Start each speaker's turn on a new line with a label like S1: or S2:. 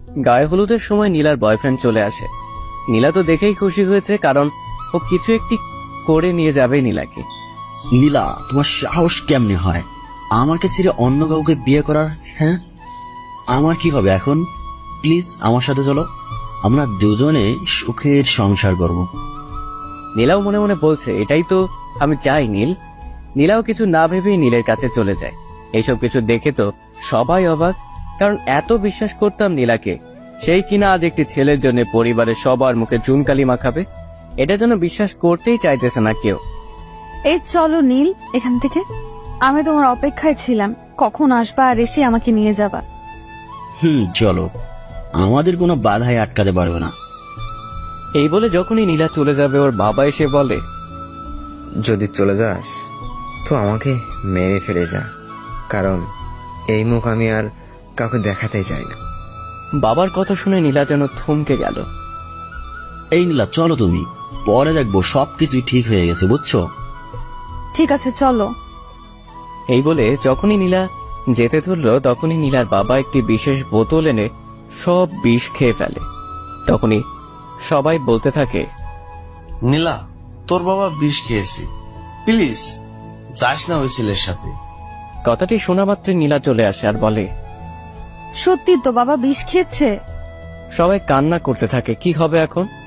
S1: গায়ে হলুদের সময় নীলার বয়ফ্রেন্ড চলে আসে। নীলা তো দেখেই খুশি হয়েছে, কারণ ও কিছু একটি করে নিয়ে যাবে নীলাকে।
S2: নীলা, তোমার সাহস কেমনে হয় আমাকে ছেড়ে অন্য কাউকে বিয়ে করার? হ্যাঁ, আমার কি হবে এখন? প্লিজ আমার সাথে চলো, আমরা দুজনে সুখের সংসার করব।
S1: নীলাও মনে মনে বলছে, এটাই তো আমি চাই নীল। নীলাও কিছু না ভেবেই নীলের কাছে চলে যায়। এইসব কিছু দেখে তো সবাই অবাক, কারণ এত বিশ্বাস করতাম নীলাকে, সেই কিনা আজ একটি ছেলের জন্য পরিবারের সবার মুখে চুনকালি মাখাবে। এটা যেন বিশ্বাস করতেই চাইতেছে না কেউ।
S3: এই চলো নীল এখান থেকে, আমি তোমার অপেক্ষায় ছিলাম, কখন আসবা আর এসে আমাকে নিয়ে যাবা।
S2: চলো, আমাদের কোনো বাধাই আটকাতে পারবে না।
S1: এই বলে যখনই নীলা চলে যাবে, ওর বাবা এসে বলে,
S4: যদি চলে যাস তো আমাকে মেরে ফেলে যা, কারণ এই মুখ আমি আর কাউকে দেখাতে চাই না।
S1: বাবার কথা শুনে নীলা যেন থমকে গেল।
S2: এই নীলা, চলো, তুমি পরে দেখবো সবকিছুই ঠিক হয়ে গেছে, বুঝছো?
S3: ঠিক আছে চলো।
S1: এই বলে যখনই নীলা যেতে ধরলো, তখনই নীলার বাবা একটি বিশেষ বোতল এনে সব বিষ খেয়ে ফেলে। তখনই সবাই বলতে থাকে,
S5: নীলা, তোর বাবা বিষ খেয়েছে, প্লিজ যাস না ওই ছেলের সাথে।
S1: কথাটি শোনা মাত্রই নীলা চলে আসে আর বলে,
S3: সত্যি তো বাবা বিষ খেয়েছে।
S1: সবাই কান্না করতে থাকে, কি হবে এখন?